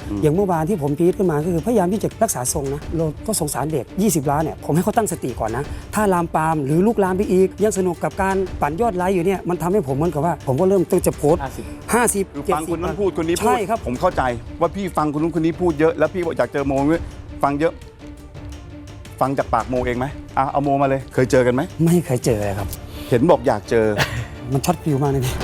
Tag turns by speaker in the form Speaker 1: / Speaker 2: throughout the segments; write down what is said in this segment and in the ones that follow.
Speaker 1: อย่างเมื่อวานที่ผมปี๊ดขึ้นมาก็คือพยายามที่จะรักษาทรงนะเราก็สงสารเด็ก20 ล้านเนี่ยผมให้เขาตั้งสติก่อนนะถ้าลามปามหรือลุกลามไปอีกยังสนุกกับการปั่นยอดไลค์อยู่เนี่ยมันทำให้ผมเหมือนกับว่าผมก็เริ่มจะโพสต์50
Speaker 2: คือฟังคนนั้นพูดคนนี้พูด
Speaker 1: ใช่ครับ
Speaker 2: ผมเข้าใจว่าพี่ฟังคนนู้นคนนี้พูดเยอะแล้วพี่บอกอยากเจอโมด้วยฟังเยอะ ฟังจากปากโมเองไหมเอาโมมาเลยเคยเจอกันไหม
Speaker 1: ไม่เคยเจอเลยครับ
Speaker 2: เห็นบอกอยากเจอ
Speaker 1: มันช็อตฟิวมากเลยพี่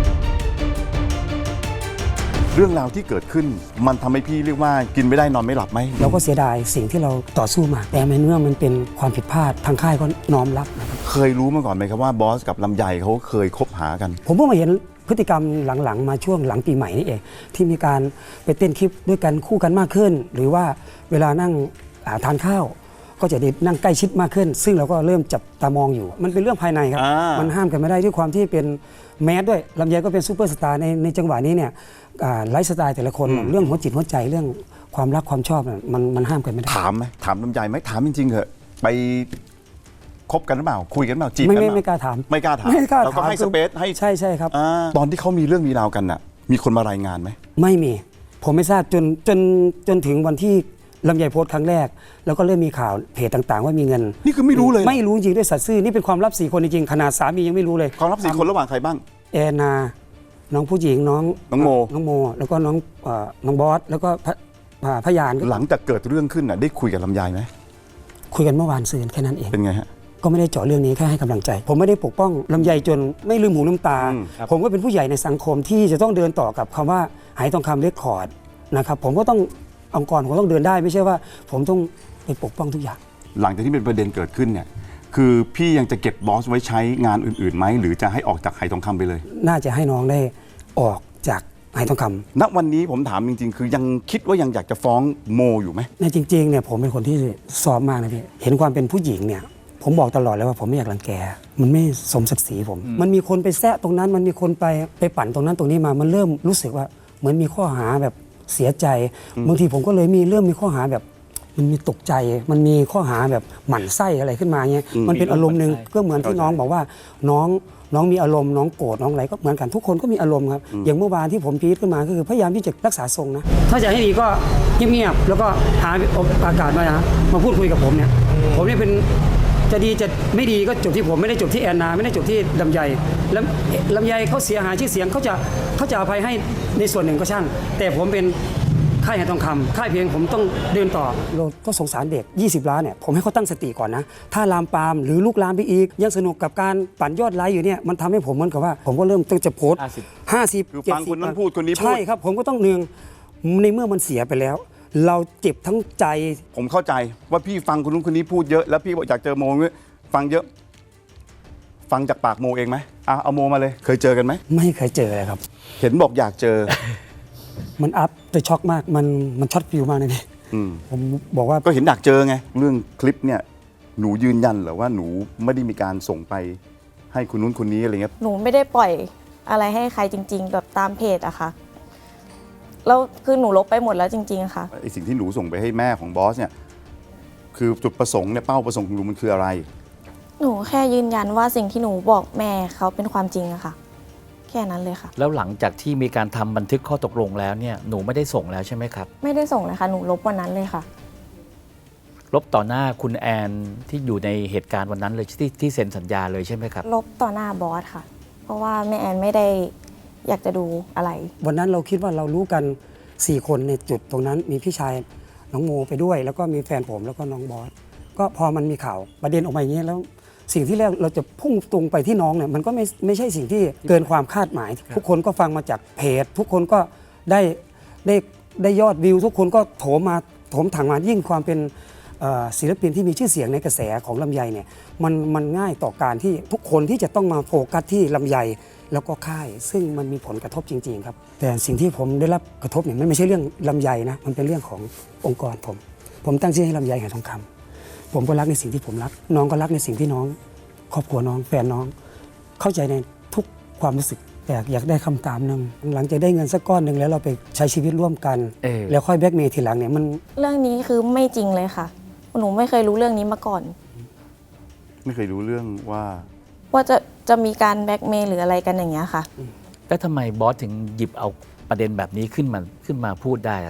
Speaker 2: เรื่องราวที่เกิดขึ้นมันทำให้พี่เรียกว่ากินไม่ได้นอนไม่หลับไหม
Speaker 1: เราก็เสียดายสิ่งที่เราต่อสู้มาแต่ในเมื่อมันเป็นความผิดพลาดทางค่ายก็น้อมรับนะครับ
Speaker 2: เคยรู้มาก่อนไหมครับว่าบอสกับลำไยเขาเคยคบหากัน
Speaker 1: ผมเพิ่งมาเห็นพฤติกรรมหลังๆมาช่วงหลังปีใหม่นี่เองที่มีการไปเต้นคลิปด้วยกันคู่กันมากขึ้น หรือว่าเวลานั่งทานข้าวก็จะได้นั่งใกล้ชิดมากขึ้น ซึ่งเราก็เริ่มจับตามองอยู่ มันเป็นเรื่องภายในครับมันห้ามกันไม่ได้ด้วยความที่เป็นแมสด้วยลำไยก็เป็นซูเปอร์สตาร์ในจังหวะนี้เนี่ยไลฟ์สไตล์แต่ละคนเรื่องหัวจิตหัวใจเรื่องความรักความชอบมันห้ามกันไม่ได้
Speaker 2: ถามไหมถามลำไยไหมถามจริงๆเหอะไปคบกันหรือเปล่าคุยกันหรือเปล่าจีบกันหรือเปล่า
Speaker 1: ไม่กล้าถาม
Speaker 2: ไม่กล้าถาม
Speaker 1: ไม่กล้าถาม
Speaker 2: เราก็ให้สเปซให้
Speaker 1: ใช่ครับ
Speaker 2: ตอนที่เขามีเรื่องมีราวกันน่ะมีคนมารายงานไหม
Speaker 1: ไม่มีผมไม่ทราบจนถึงวันที่ลำไยโพสต์ครั้งแรก แล้วก็เริ่มมีข่าวเพจต่างๆ ว่ามีเงิน
Speaker 2: นี่คือไม่รู้เลยเหรอ
Speaker 1: ไม่รู้จริงด้วยสัตย์ซื่อนี่เป็นความลับ4 คนจริงๆขนาดสามียังไม่รู้เลย
Speaker 2: ความลับ4 คนระหว่างใครบ้าง
Speaker 1: แอนนาน้องผู้หญิงน้อง
Speaker 2: โม
Speaker 1: น้องโมแล้วก็น้องบอสแล้วก็พยาน
Speaker 2: หลังจากเกิดเรื่องขึ้นน่ะได้คุยกับลำไยไหม
Speaker 1: คุยกันเมื่อวานซืนแค่นั้นเอง
Speaker 2: เป็นไงฮะ
Speaker 1: ก็ไม่ได้เจาะเรื่องนี้แค่ให้กำลังใจ ผมไม่ได้ปกป้องลำไยจนไม่ลืมหูลืมตา ผมก็เป็นผู้ใหญ่ในสังคมที่จะต้องเดินต่อกับคำว่าหายทองคำเรคคอร์ดนะครับผมก็ต้ององค์กรผมต้องเดินได้ไม่ใช่ว่า ผมต้องไปปกป้องทุกอย่าง
Speaker 2: หลังจากที่เป็นประเด็นเกิดขึ้นเนี่ยคือพี่ยังจะเก็บบอสไว้ใช้งานอื่นๆไหมหรือจะให้ออกจากไหทองคำไปเลย
Speaker 1: น่าจะให้น้องได้ออกจากหายทองคำ
Speaker 2: ณวันนี้ผมถามจริงๆ คือยังคิดว่ายังอยากจะฟ้องโมอยู่ไหม
Speaker 1: ในจริงๆเนี่ยผมเป็นคนที่ซ้อมมากนะพี่เห็นความเป็นผู้หญิงเนี่ยผมบอกตลอดเลยว่าผมไม่อยากรังแกมันไม่สมศักดิ์ศรีผม มันมีคนไปแซะตรงนั้นมันมีคนไปปั่นตรงนั้นตรงนี้มามันเริ่มรู้สึกว่าเหมือนมีข้อหาแบบเสียใจบางทีผมก็เลยเริ่มมีข้อหาแบบมันมีตกใจมันมีข้อหาแบบหมั่นไส้อะไรขึ้นมาเงี้ยมันเป็นอารมณ์หนึ่งก็เหมือนที่น้องบอกว่าน้องมีอารมณ์น้องโกรธน้องอะไรก็เหมือนกันทุกคนก็มีอารมณ์ครับอย่างเมื่อวานที่ผมปี๊ดขึ้นมาก็คือพยายามที่จะรักษาทรงนะถ้าจะให้ดีก็เงียบๆแล้วก็หาอากาศมาพูดคุยกับผมเนี่ยผมเนี่ยเป็นจะดีจะไม่ดีก็จบที่ผมไม่ได้จบที่แอนนาไม่ได้จบที่ลำไยแล้วลำไยเขาเสียหายชื่อเสียงเขาจะอภัยให้ในส่วนหนึ่งก็ช่างแต่ผมเป็นค่ายหายทองคำค่ายเพลงผมต้องเดินต่อเราก็สงสารเด็ก20 ล้านเนี่ยผมให้เขาตั้งสติก่อนนะถ้าลามปามหรือลุกลามไปอีกยังสนุกกับการปั่นยอดไลค์อยู่เนี่ยมันทำให้ผมเหมือนกับว่าผมก็เริ่มจะโพสต์50
Speaker 2: คือฟังคนนั้นพูดคนนี้พูด
Speaker 1: ใช่ครับผมก็ต้องเนืองในเมื่อมันเสียไปแล้ว เราเจ็บทั้งใจ
Speaker 2: ผมเข้าใจว่าพี่ฟังคนนู้นคนนี้พูดเยอะแล้วพี่บอกอยากเจอโมด้วยฟังเยอะ ฟังจากปากโมเองไหมเอาโมมาเลยเคยเจอกันไหม
Speaker 1: ไม่เคยเจอเลยครับ
Speaker 2: เห็นบอกอยากเจอ
Speaker 1: มันอัพแต่ช็อกมากมันช็อตฟิวมากเลยพี่ผมบอกว่า
Speaker 2: ก็เห็นอยากเจอไงเรื่องคลิปเนี่ยหนูยืนยันเหรอว่าหนูไม่ได้มีการส่งไปให้คนนู้นคนนี้อะไรเงี้ย
Speaker 3: หนูไม่ได้ปล่อยอะไรให้ใครจริงๆแบบตามเพจอะค่ะแล้วคือหนูลบไปหมดแล้วจริงๆค่ะ
Speaker 2: ไอสิ่งที่หนูส่งไปให้แม่ของบอสเนี่ยคือจุดประสงค์เนี่ยเป้าประสงค์ของหนูมันคืออะไร
Speaker 3: หนูแค่ยืนยันว่าสิ่งที่หนูบอกแม่เขาเป็นความจริงอะค่ะ แค่นั้นเลยค่ะ
Speaker 4: แล้วหลังจากที่มีการทำบันทึกข้อตกลงแล้วเนี่ยหนูไม่ได้ส่งแล้วใช่ไหมครับ
Speaker 3: ไม่ได้ส่งเลยค่ะหนูลบวันนั้นเลยค่ะ
Speaker 4: ลบต่อหน้าคุณแอนที่อยู่ในเหตุการณ์วันนั้นเลยที่เซ็นสัญญาเลยใช่ไหมครับ
Speaker 3: ลบต่อหน้าบอสค่ะ เพราะว่าแม่แอนไม่ได้อยากจะดูอะไร
Speaker 1: วันนั้นเราคิดว่าเรารู้กัน4 คนในจุดตรงนั้นมีพี่ชายน้องโมไปด้วย แล้วก็มีแฟนผมแล้วก็น้องบอสก็พอมันมีข่าวประเด็นออกมาอย่างนี้แล้วสิ่งที่แรกเราจะพุ่งตรงไปที่น้องเนี่ยมันก็ไม่ใช่สิ่งที่เกินความคาดหมาย ทุกคนก็ฟังมาจากเพจทุกคนก็ได้ยอดวิวทุกคนก็โถมถังมายิ่งความเป็นศิลปินที่มีชื่อเสียงในกระแสของลำไยเนี่ยมันง่ายต่อการที่ทุกคนที่จะต้องมาโฟกัสที่ลำไยแล้วก็ค่ายซึ่งมันมีผลกระทบจริงๆครับแต่สิ่งที่ผมได้รับกระทบเนี่ยมันไม่ใช่เรื่องลำไยนะมันเป็นเรื่องขององค์กรผมตั้งชื่อให้ลำไยหายทองคำผมก็รักในสิ่งที่ผมรักน้องก็รักในสิ่งที่น้องครอบครัวน้องแฟนน้องเข้าใจในทุกความรู้สึกแต่อยากได้คำตามนึงหลังจากได้เงินสักก้อนหนึ่งแล้วเราไปใช้ชีวิตร่วมกันแล้วค่อยแบล็กเมย์ทีหลังเนี่ยมัน
Speaker 3: เรื่องนี้คือไม่จริงเลยค่ะ หนูไม่เคยรู้เรื่องนี้มาก่อน
Speaker 2: ไม่เคยรู้เรื่องว่า
Speaker 3: ว่าจะมีการแบล็กเมย์หรืออะไรกันอย่างเงี้ยค่ะ
Speaker 4: แล้วทำไมบอสถึงหยิบเอาประเด็นแบบนี้ขึ้นมาพูดได้อะครับ
Speaker 3: ห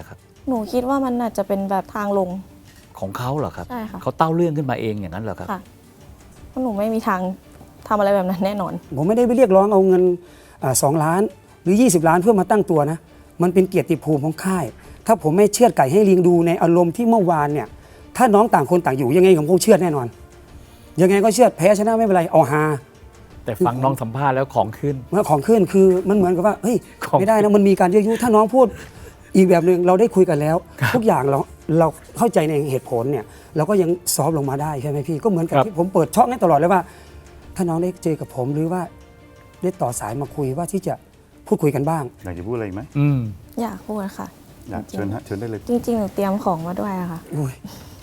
Speaker 3: หนูคิดว่ามันอาจจะเป็นแบบทางลง
Speaker 4: ของเขาเหรอครับ
Speaker 3: ใช่ค่ะ
Speaker 4: เขาเต้าเรื่องขึ้นมาเองอย่างนั้นเหรอครับ
Speaker 3: ค่ะเพราะหนูไม่มีทางทำอะไรแบบนั้นแน่นอน
Speaker 1: ผมไม่ได้ไปเรียกร้องเอาเงิน2 ล้านหรือ 20 ล้านเพื่อมาตั้งตัวนะ มันเป็นเกียรติภูมิของค่าย ถ้าผมไม่เชือดไก่ให้ลิงดูในอารมณ์ที่เมื่อวานเนี่ย ถ้าน้องต่างคนต่างอยู่ยังไงผมคงเชือดแน่นอน ยังไงก็เชือดแพ้ชนะไม่เป็นไรเอาฮา
Speaker 4: แต่ฟังน้องสัมภาษณ์แล้วของขึ้น
Speaker 1: เมื่อของขึ้นคือมันเหมือนกับว่าเฮ้ย
Speaker 4: ของ
Speaker 1: ไม่ได้นะมันมีการยั่วยุถ้าน้องพูดอีกแบบหนึ่งเราได้คุยกันแล้ว ทุกอย่างเราเข้าใจในเหตุผลเนี่ยเราก็ยังซอฟต์ลงมาได้ใช่ไหมพี่ก็เหมือนกับที่ผมเปิดช่องให้ตลอดเลยว่า ถ้าน้องได้เจอกับผมหรือว่าได้ต่อสายมาคุยว่าที่จะพูดคุยกันบ้าง
Speaker 2: อยากจะพูดอะไรอีกไหม
Speaker 4: อืม
Speaker 3: อยากพูดค่ะ
Speaker 2: อยากเชิญฮะเชิญได้เลย
Speaker 3: จริงๆหนูเตรียมของมาด้วยอะค่ะ
Speaker 1: อุ้ย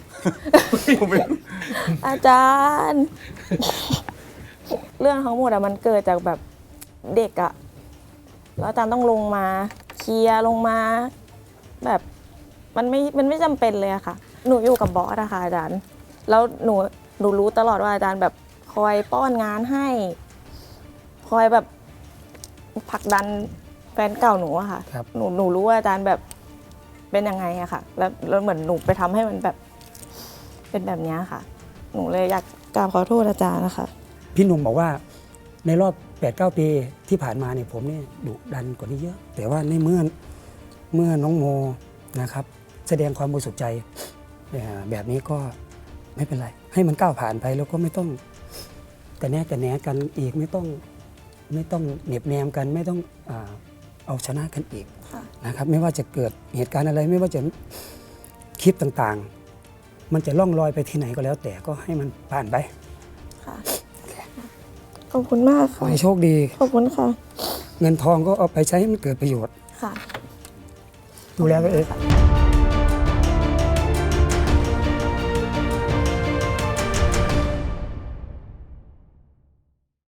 Speaker 3: อาจารย์ เรื่องทั้งหมดอะมันเกิดจากแบบเด็กอะแล้วอาจารย์ต้องลงมาเคลียร์ลงมา แบบมันไม่จำเป็นเลยอะค่ะ หนูอยู่กับบอสอะค่ะอาจารย์ แล้วหนูรู้ตลอดว่าอาจารย์แบบคอยป้อนงานให้ คอยแบบผลักดันแฟนเก่าหนูอะค่ะ
Speaker 1: ครับ
Speaker 3: หนูรู้ว่าอาจารย์แบบเป็นยังไงอะค่ะ แล้วเหมือนหนูไปทำให้มันแบบเป็นแบบเนี้ยค่ะ หนูเลยอยากกราบขอโทษอาจารย์นะคะ
Speaker 1: พี่หนุ่มบอกว่าในรอบ 8-9 ปีที่ผ่านมาเนี่ยผมเนี่ยดุดันกว่านี้เยอะ แต่ว่าในเมื่อน้องโมนะครับ แสดงความบริสุทธิ์ใจแบบนี้ก็ไม่เป็นไร ให้มันก้าวผ่านไปแล้วก็ไม่ต้องแต่แน่กันอีกไม่ต้องเหน็บแนมกันไม่ต้องเอาชนะกันอีก
Speaker 3: ค่ะ
Speaker 1: นะครับ ไม่ว่าจะเกิดเหตุการณ์อะไรไม่ว่าจะคลิปต่างๆ มันจะล่องลอยไปที่ไหนก็แล้ว แต่ก็ให้มันผ่านไป
Speaker 3: ค่ะ ขอบคุณมาก
Speaker 1: ขอ
Speaker 3: ค่ะ
Speaker 1: ให้โชคดี
Speaker 3: ขอบคุณค่ะ
Speaker 1: เงินทองก็เอาไปใช้ให้มันเกิดประโยชน์
Speaker 3: ค่ะ
Speaker 1: ดูแลตัวเอง
Speaker 3: ค่ะ